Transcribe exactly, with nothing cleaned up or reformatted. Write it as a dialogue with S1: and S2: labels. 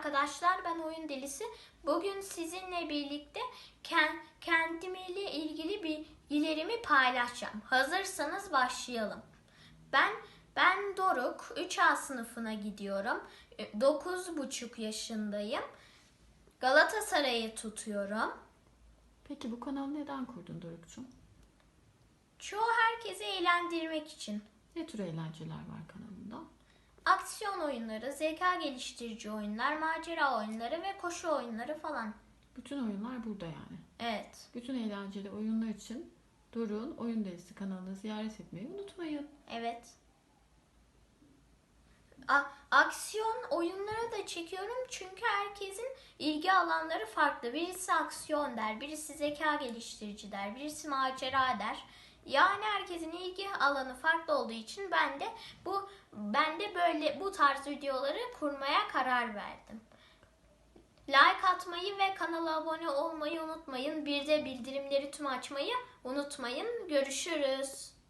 S1: arkadaşlar, ben Oyun Delisi. Bugün sizinle birlikte kendimle ilgili bilgilerimi paylaşacağım. Hazırsanız başlayalım. Ben ben Doruk, üç A sınıfına gidiyorum. dokuz buçuk yaşındayım. Galatasaray'ı tutuyorum.
S2: Peki bu kanalı neden kurdun Doruk'cum?
S1: Çoğu herkesi eğlendirmek için.
S2: Ne tür eğlenceler var kanalında?
S1: Aksiyon oyunları, zeka geliştirici oyunlar, macera oyunları ve koşu oyunları falan.
S2: Bütün oyunlar burada yani.
S1: Evet.
S2: Bütün eğlenceli oyunlar için Doruk'un Oyun Delisi kanalını ziyaret etmeyi unutmayın.
S1: Evet. A- aksiyon oyunları da çekiyorum çünkü herkesin ilgi alanları farklı. Birisi aksiyon der, birisi zeka geliştirici der, birisi macera der. Yani herkesin ilgi alanı farklı olduğu için ben de bu ben de böyle bu tarz videoları kurmaya karar verdim. Like atmayı ve kanala abone olmayı unutmayın. Bir de bildirimleri tüm açmayı unutmayın. Görüşürüz.